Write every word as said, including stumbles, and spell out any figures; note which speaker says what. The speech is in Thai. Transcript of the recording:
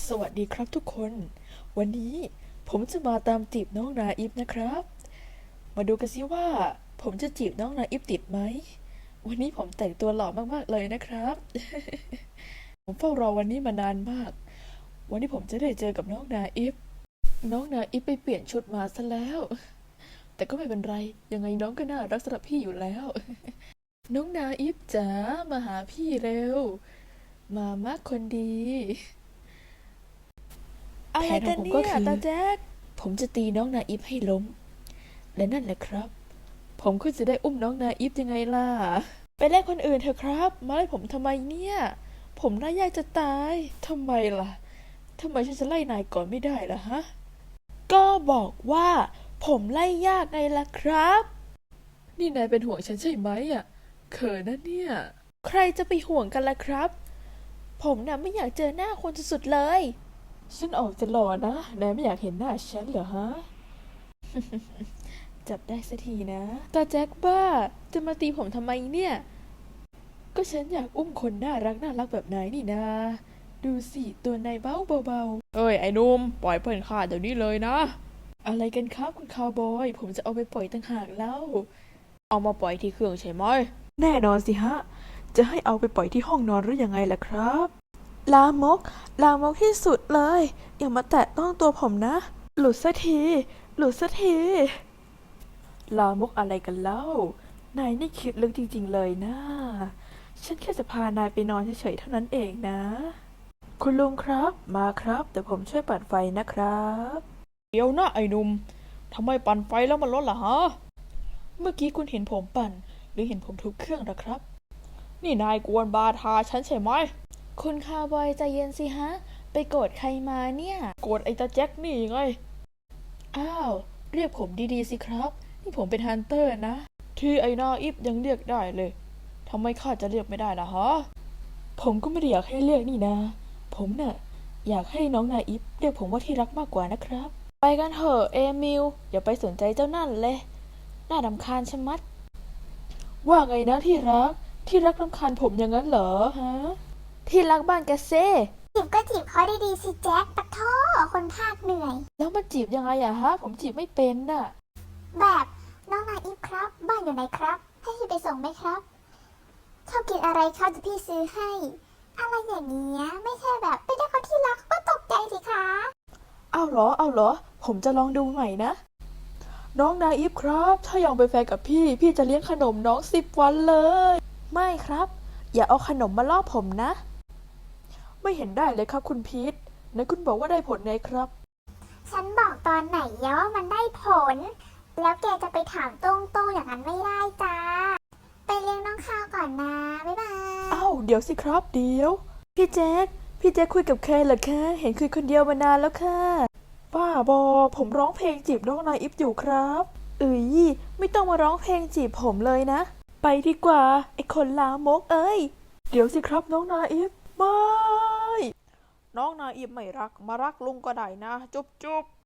Speaker 1: สวัสดีครับทุกคน วันนี้ผมจะมาตามจีบน้องนาอิฟนะครับ มาดูกันสิว่าผมจะจีบน้องนาอิฟติดไหม วันนี้ผมแต่งตัวหล่อมากๆเลยนะครับ ผมเฝ้ารอวันนี้มานานมาก วันนี้ผมจะได้เจอกับน้องนาอิฟน้องนาอิฟไปเปลี่ยนชุดมาซะแล้ว แต่ก็ไม่เป็นไร ยังไงน้องก็น่ารักสำหรับพี่อยู่แล้ว น้องนาอิฟจ๋ามาหาพี่เร็ว มามากคนดี
Speaker 2: อะไรกัน
Speaker 1: แผนของผม
Speaker 2: เนี่
Speaker 1: ก็
Speaker 2: ย
Speaker 1: คือ
Speaker 2: ตาแจ๊ก
Speaker 1: ผมจะตีน้องนาอิฟให้ล้ม และนั่นแหละครับ ผมก็จะได้อุ้มน้องนาอิฟยังไงล่ะ
Speaker 2: ไปเล่นคนอื่นเถอะครับ มาไล่ผมทำไมเนี่ย ผมน่ายากจะตาย
Speaker 1: ทำไมล่ะ ทำไมฉันจะไล่นายก่อนไม่ได้ล่ะฮะ
Speaker 2: ก็บอกว่าผมไล่ยากไงล่ะครับ
Speaker 1: นี่นายเป็นห่วงฉันใช่ไหมอ่ะ เขินนะเนี่ย
Speaker 2: ใครจะไปห่วงกันล่ะครับ ผมน่ะไม่อยากเจอหน้าคนสุดๆเลย
Speaker 1: ฉันออกจะหล่อนะ นายไม่อยากเห็นหน้าฉันเหรอฮะ จับได้สักทีนะ
Speaker 2: ตาแจ๊กบ้า จะมาตีผมทำไมเนี่ย
Speaker 1: ก็ฉันอยากอุ้มคนน่ารักน่ารักแบบนายนี่นา ดูสิตัวนายเบาเบา
Speaker 2: เอ้ยไอ้นุ่มปล่อยเพื่อนข้าเดี๋ยวนี้เลยนะ
Speaker 1: ๆอะไรกันครับคุณคาวบอย ผมจะเอาไปปล่อยต่างหากแล้ว
Speaker 2: เอามาปล่อยที่เครื่องใช่ไหม
Speaker 1: แน่นอนสิฮะ จะให้เอาไปปล่อยที่ห้องนอนหรือยังไงล่ะครับ
Speaker 2: ลามก ลามกที่สุดเลย อย่ามาแตะต้องตัวผมนะ หลุดสักที หลุดสักที
Speaker 1: ลามกอะไรกันเล่า นายนี่คิดลึกจริงๆเลยนะ ฉันแค่จะพานายไปนอนเฉยๆเท่านั้นเองนะ คุณลุงครับ มาครับ เดี๋ยวผมช่วยปัดไฟนะครับ
Speaker 2: เดี๋ยวนะไอ้หนุ่มทำไมปั่นไฟแล้วมันลดล่ะฮะ
Speaker 1: เมื่อกี้คุณเห็นผมปั่น หรือเห็นผมทุบเครื่องนะครับ
Speaker 2: นี่นายกวนบาทาฉันใช่ไหม
Speaker 3: คุณคาวบอยใจเย็นสิฮะ ไปโกรธใครมาเนี่ย
Speaker 2: โกดไอ้ตาแจ็คนี่ไง
Speaker 1: อ้าว เรียกผมดีๆสิครับ นี่ผมเป็นฮันเตอร์นะ
Speaker 2: ที่ไอ้นาอิฟยังเรียกได้เลยทำไมข้าจะเรียกไม่ได้ล่ะฮะ
Speaker 1: ผมก็ไม่ได้อยากให้เรียกนี่นะ ผมน่ะอยากให้น้องนาอิฟเรียกผมว่าที่รักมากกว่านะครับ
Speaker 3: ไปกันเถอะเอมิล อย่าไปสนใจเจ้านั่นเลย น่ารำคาญชะมัด
Speaker 1: ว่าไงนะที่รัก ที่รักรำคาญผมอย่างนั้นเหรอฮะ
Speaker 3: ที่รักบ้านแกเซ่
Speaker 4: จีบก็จีบเขาดีๆสิแจ็คปะโทคนภาคเหนื่อย
Speaker 1: แล้วมันจีบยังไงอะฮะ ผมจีบไม่เป็นน่ะ
Speaker 4: แบบน้องนาอีฟครับ บ้านอยู่ไหนครับ ให้พี่ไปส่งไหมครับชอบกินอะไรครับจะพี่ซื้อให้ อะไรอย่างเงี้ยไม่ใช่แบบไปได้เขาที่รักก็ตกใจสิคะ
Speaker 1: เอาเหรอ เอาเหรอ ผมจะลองดูใหม่นะ น้องนาอิฟครับ ถ้ายอมเป็นแฟนกับพี่ พี่จะเลี้ยงขนมน้องสิบวันเลย
Speaker 3: ไม่ครับ อย่าเอาขนมมาล่อผมนะ
Speaker 1: ไม่เห็นได้เลยครับคุณพีทไหนคุณบอกว่าได้ผลไงครับ
Speaker 4: ฉันบอกตอนไหนยะว่ามันได้ผล แล้วแกจะไปถามตรงๆอย่างนั้นไม่ได้จ้า ไปเลี้ยงน้องข้าวก่อนนะ บ๊ายบาย
Speaker 1: เอ้า เดี๋ยวสิครับ เดี๋ยว พี่แจ๊คพี่แจ๊คคุยกับใครเหรอคะ เห็นคุยคนเดียวมานานแล้วค่ะบ้าบอ ผมร้องเพลงจีบน้องนายอิฟอยู่ครับเอ้ยไม่ต้องมาร้องเพลงจีบผมเลยนะ ไปดีกว่า ไอ้คนลามกเอ้ย เดี๋ยวสิครับน้องนายอิฟไม่
Speaker 2: น้องนาอิฟไม่รัก มารักลุงก็ได้นะ จุ๊บจุ๊บ